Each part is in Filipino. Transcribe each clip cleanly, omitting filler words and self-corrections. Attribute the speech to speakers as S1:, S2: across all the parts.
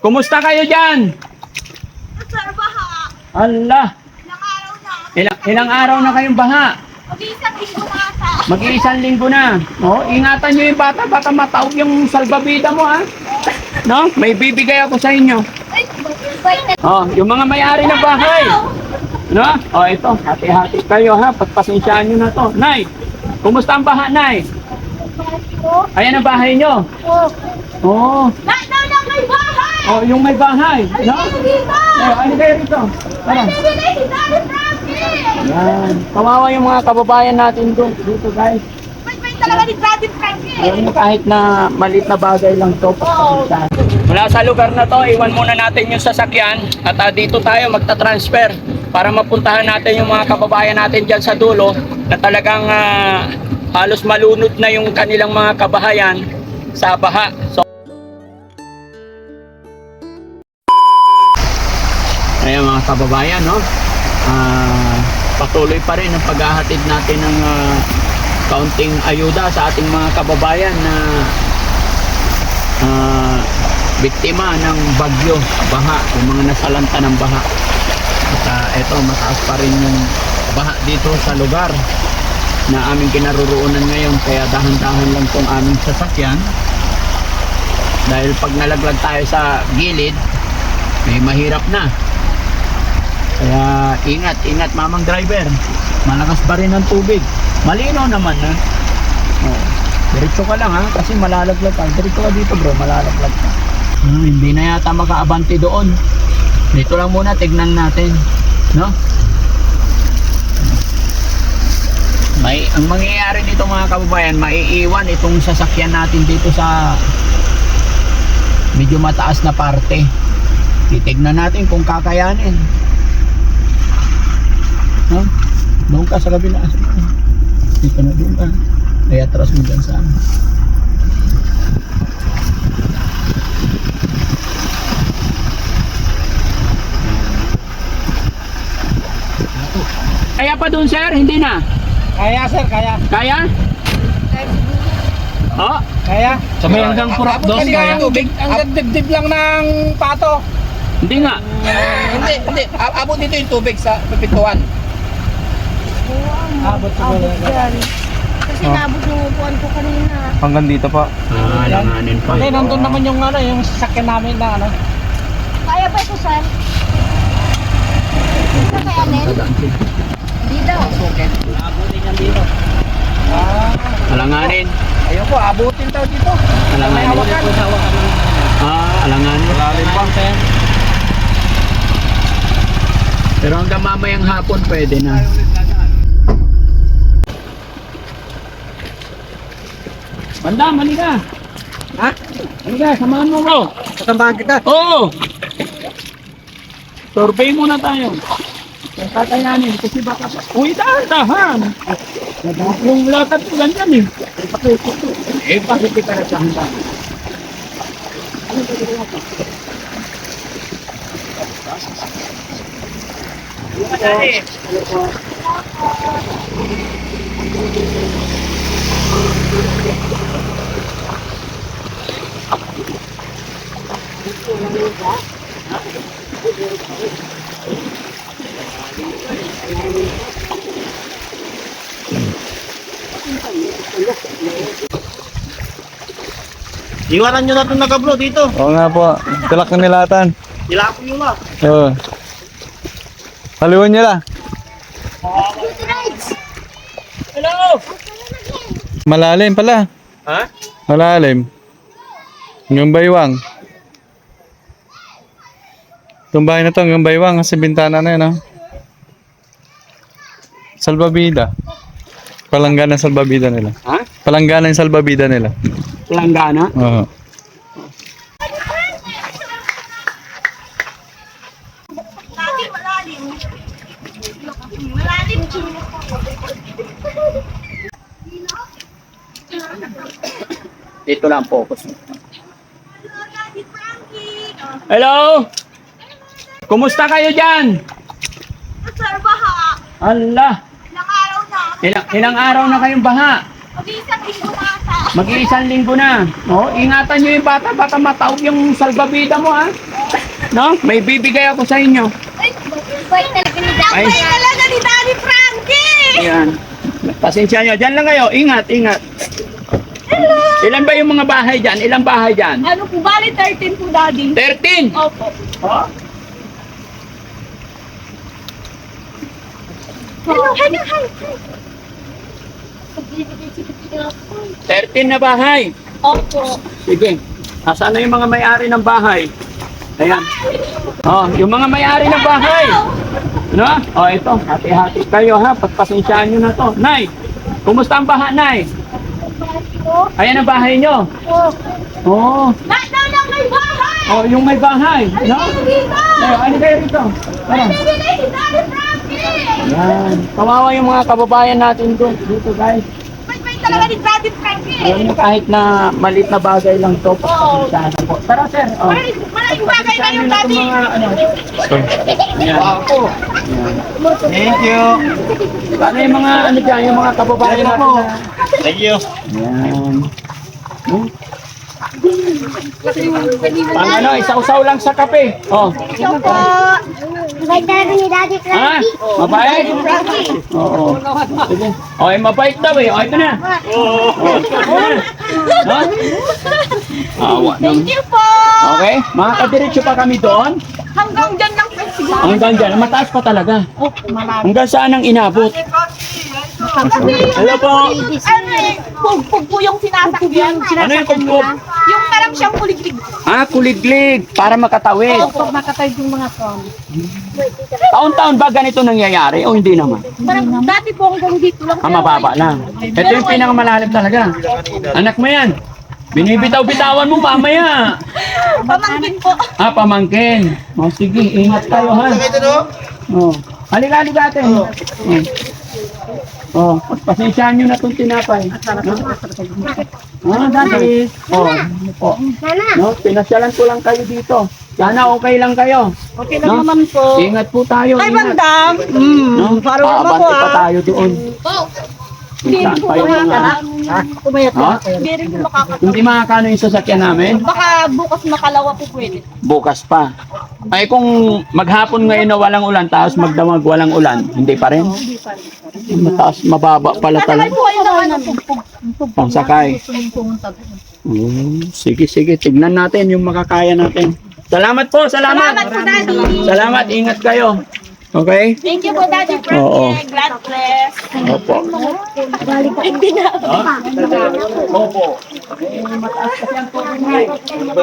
S1: Kumusta kayo dyan?
S2: Sir, baha.
S1: Allah,
S2: Ilang araw na.
S1: ilang araw na kayong baha?
S2: Mag-iisang linggo na ata.
S1: Mag-iisang linggo na. Oh, ingatan nyo yung bata, baka mataog yung salbabida mo, ha? No? May bibigay ako sa inyo.
S2: Ay, wait.
S1: Oh, yung mga may-ari ng bahay. No? Oh, ito, hati-hati kayo, ha? Pagpasensyaan nyo na to. Nay, kumusta ang baha, Nay? Ayan ang bahay nyo.
S2: Oh.
S1: Oh,
S2: Nakitaw lang may bahay!
S1: oh, yung may bahay. No?
S2: Ano dito?
S1: Oh, ano kayo rito? Tara.
S2: Ano dito si Daddy Frankie?
S1: Yan. Kawawa yung mga kababayan natin doon. Dito, guys.
S2: May talaga ni Daddy Frankie.
S1: Ayun, kahit na maliit na bagay lang to. Mula sa lugar na to, iwan muna natin yung sasakyan at dito tayo magta-transfer para mapuntahan natin yung mga kababayan natin dyan sa dulo na talagang halos malunod na yung kanilang mga kabahayan sa baha. So, ayan mga kababayan, no? Patuloy pa rin ang paghahatid natin ng kaunting ayuda sa ating mga kababayan na biktima ng bagyo, baha, yung mga nasalanta ng baha. At eto, mataas pa rin yung baha dito sa lugar na aming kinaroroonan ngayon, kaya dahan-dahan lang tong aming sasakyan dahil pag nalaglag tayo sa gilid may mahirap na. Kaya ingat mamang driver, malakas pa rin ang tubig, malinaw naman, ha? Oh, diretso ka lang, ha, kasi malalaglag ka. Diretso ka dito, bro, malalaglag ka. Hindi na yata makaabante doon. Dito lang muna, tignan natin, no? Ang mangyayari dito mga kababayan, maiiwan itong sasakyan natin dito sa medyo mataas na parte. Titignan natin kung kakayanin. No? Doon ka sa kabila. Dito na doon ka. Kaya atras mo dyan sa amin. Kaya pa doon, sir? Hindi na?
S3: Kaya sir, kaya.
S1: Kaya? Oh,
S3: Kaya.
S1: sa may hanggang purap dos, kaya?
S3: Ang dibdib lang ng pato.
S1: Hindi nga.
S3: Hindi. Abot dito yung tubig sa pintuan. Abot sa
S2: Yan. Kasi nabot yung upuan ko kanina.
S3: Hanggang dito pa.
S1: Langanin pa.
S3: Hindi, nandun naman yung yung sasakyan namin na
S2: Kaya pa ito, sir? Kakayanin? Hindi daw.
S3: Abutin yan dito.
S1: Alanganin.
S3: Ayoko, abutin daw dito.
S1: Alanganin. Alanganin.
S3: Malalim pa.
S1: Pero hanggang mamayang hapon pwede na. Bandam, halika.
S3: Ha?
S1: Halika, samahan mo bro.
S3: Katambahan kita.
S1: Oo. Survey muna tayo. Tatayanin kasi baka... Uy, dahan-dahan. Yung lakad ko ganyan, eh. Bakit kita na dahan-dahan?
S3: Iwanan nyo na itong naka-bro dito.
S4: Oo nga po. Tilak na nilatan.
S3: Ilapon nyo na.
S4: Oo. Haliwan niya lang.
S1: Hello!
S4: Malalim pala.
S1: Ha?
S4: Malalim. Yung baywang. Itong bahay na to, yung baywang. Kasi bintana na yun, oh. Salbabida. Palanggana ng salbabida nila.
S1: Ha?
S4: Palanggana yung salbabida nila.
S1: Langgana?
S4: Oo.
S2: Dati malalim. Malalim.
S1: Dito lang focus.
S2: Daddy Frankie.
S1: Hello? Kumusta kayo dyan?
S2: Sir, baha.
S1: Allah,
S2: Ilang araw na.
S1: ilang araw na kayong baha?
S2: Mag-iisang linggo na ata.
S1: Mag-iisang linggo na. Oh, ingatan nyo yung bata, baka mataog yung salbabida mo, ha? No? May bibigay ako sa inyo.
S2: Bait talaga ni Daddy.
S1: Ay.
S2: Bait talaga ni Daddy Frankie!
S1: Ayan. Pasensya nyo. Diyan lang kayo. Ingat, ingat. Ilan ba yung mga bahay dyan? Ilang bahay dyan?
S2: Ano po, bali 13 po, Daddy.
S1: 13!
S2: Opo.
S1: Oh?
S2: Hello, hello, hi.
S1: 13 na bahay.
S2: Opo.
S1: Sige. Nasaan na yung mga may-ari ng bahay? Ayan. Oh, yung mga may-ari ng bahay. Ano? Oh, ito. Hati-hati kayo ha. Pagpasensyaan nyo na to. Nay, kumusta ang baha, Nay? Ayan ang bahay nyo. Oh.
S2: Lahat daw lang may bahay!
S1: Oh, yung may bahay. No?
S2: Dito!
S1: Oh, ano kayo rito? Tara.
S2: Bibigay si Daddy Frankie!
S1: Yan. Kawawa yung mga kababayan natin doon. Dito, guys.
S2: Bait talaga ni Daddy Frankie!
S1: Alam mo, kahit na maliit na bagay lang to. Pasensyahan na po. Tara, sir. Oh.
S2: Malaking bagay na yung Daddy!
S1: Mga, ano. Ayan.
S3: Thank you.
S1: Paano yung mga ano dyan, yung mga kababayan natin na...
S3: Thank you.
S1: Yan. Pang ano, isa-usaw lang sa kape. Oh.
S2: Ito po! Bait talaga ni Daddy
S1: Ha?
S2: Frankie!
S1: Mabait? Oo. Sige. Okay, mabait daw eh. Okay, ito na. No? Awa
S2: Thank
S1: naman.
S2: you po!
S1: Okay, makakadiretso pa kami doon.
S2: Hanggang dyan lang po siguro.
S1: Hanggang dyan, mataas pa talaga. Hanggang saan ang inabot? Hello po.
S2: Ano eh, pugpug po yung sinasakyan.
S1: Ano yung kumpog?
S2: Yung parang siyang kuliglig.
S1: Ah, kuliglig para makatawid.
S2: Pag makatawid yung mga son.
S1: Taon-taon ba ganito nangyayari o hindi naman?
S2: Parang dati po hanggang dito lang.
S1: Ah, mababa lang. Ito yung pinakamalalim talaga. Anak mo yan. Binibitaw-bitawan mo mamaya.
S2: Pamangkin po.
S1: Ah, pamangkin. O sige, ingat tayo ha. Oh. Halika atin. Oh, pasensyahan nyo na itong tinapay. Ah, dati. Oh, po. No, pinasyalan ko lang kayo dito. Sana okay lang kayo.
S2: Okay
S1: lang
S2: naman po.
S1: Ingat po tayo.
S2: Ay,
S1: ingat.
S2: bandam.
S1: No?
S2: Parang naman po
S1: Abante pa
S2: ah.
S1: tayo doon. Saan pa yung mga...
S2: Kumayat
S1: Ha?
S2: Hindi rin po makakatawa.
S1: Hindi makakano yung sasakyan namin?
S2: Baka bukas makalawa po pwede.
S1: Bukas pa. Ay kung maghapon ngayon na walang ulan, tapos magdamag walang ulan, hindi pa rin? Mataas, mababa pala
S2: Sakay
S1: talaga.
S2: po kayo ng ano, pugpug.
S1: Pangsakay. Sige, sige. Tignan natin yung makakaya natin. Salamat po, salamat.
S2: Salamat po, Daddy.
S1: Salamat, ingat kayo. Okay?
S2: Thank you po, Daddy Frankie.
S1: Oo.
S2: God bless.
S1: Opo.
S2: Hindi na.
S1: Opo. Mataas kasi ang tubig ngayon.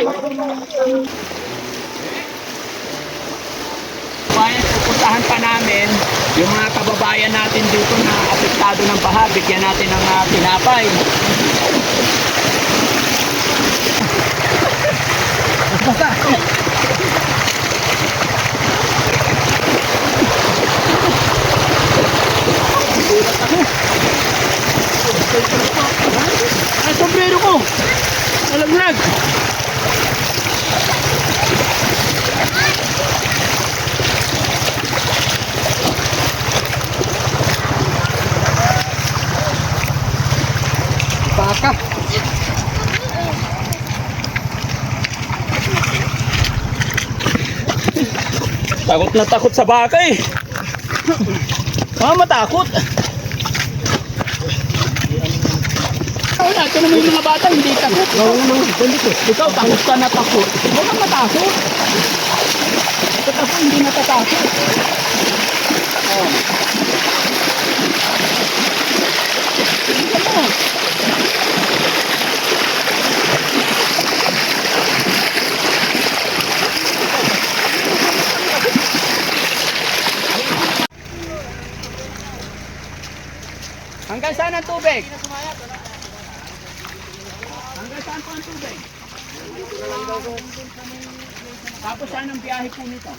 S1: Bayan, pupuntahan pa namin yung mga kababayan natin dito na apektado ng baha. Bigyan natin ng tinapay. Ay, sombrero ko! Nalaglag! Baka! Takot na takot sa baka eh! Matakot! Wala, ito naman yung mga bata, hindi takot. Ikaw, takot ka na takot. Huwag kang matakot. Ito ako, hindi natatakot. Oh. Tingnan mo. Hanggang saan ang tubig? Hanggang saan po ang tubig? Tapos saan ang biyahe po nito?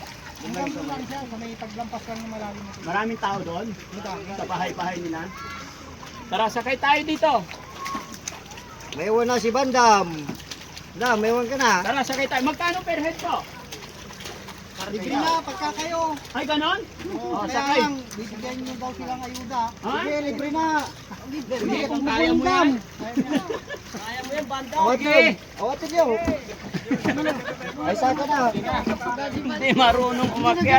S1: Maraming tao doon? Sa bahay-bahay nila? Tara, sakay tayo dito.
S5: May iwan na si Bandam. Bandam, may iwan ka na.
S1: Tara, sakay tayo. Magkano per head po?
S5: Libre na, pagka kayo.
S1: Ay, ganon?
S5: Oh, kaya
S1: sakay.
S5: lang, bibigyan nyo daw silang ayuda.
S1: Ha?
S5: Sige, libre na.
S1: Sige, kung kaya mo yan.
S5: Kaya mo yan, banda. Awatin nyo. Ay, saka na.
S1: Hindi marunong umakyat.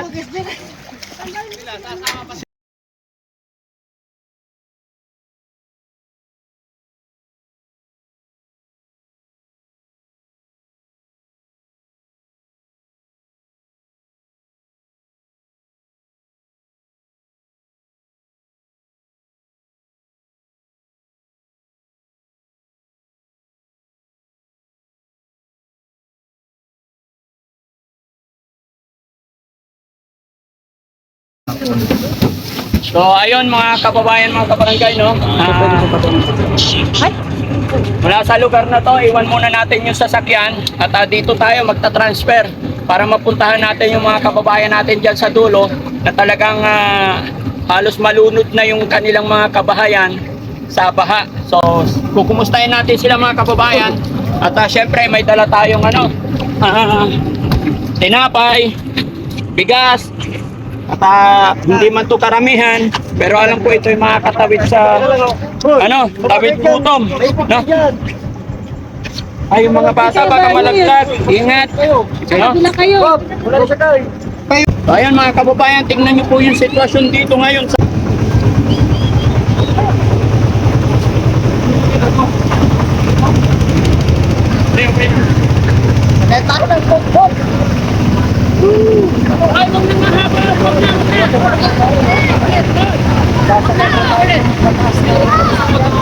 S1: So ayun mga kababayan, mga kabarangay, no? Mula sa lugar na to, iwan muna natin yung sasakyan at dito tayo magta-transfer para mapuntahan natin yung mga kababayan natin dyan sa dulo na talagang halos malunod na yung kanilang mga kabahayan sa baha. So kukumustahin natin sila mga kababayan at syempre may dala tayong tinapay, bigas, at hindi man to karamihan, pero alam ko ito yung mga katawid sa tawid gutom, no? Ay, yung mga bata baka malaglag, ingat, no?
S2: Bila kayo.
S1: So, ayun mga kababayan, tingnan niyo po yung sitwasyon dito ngayon sa ay, wag na mahaba, wag na.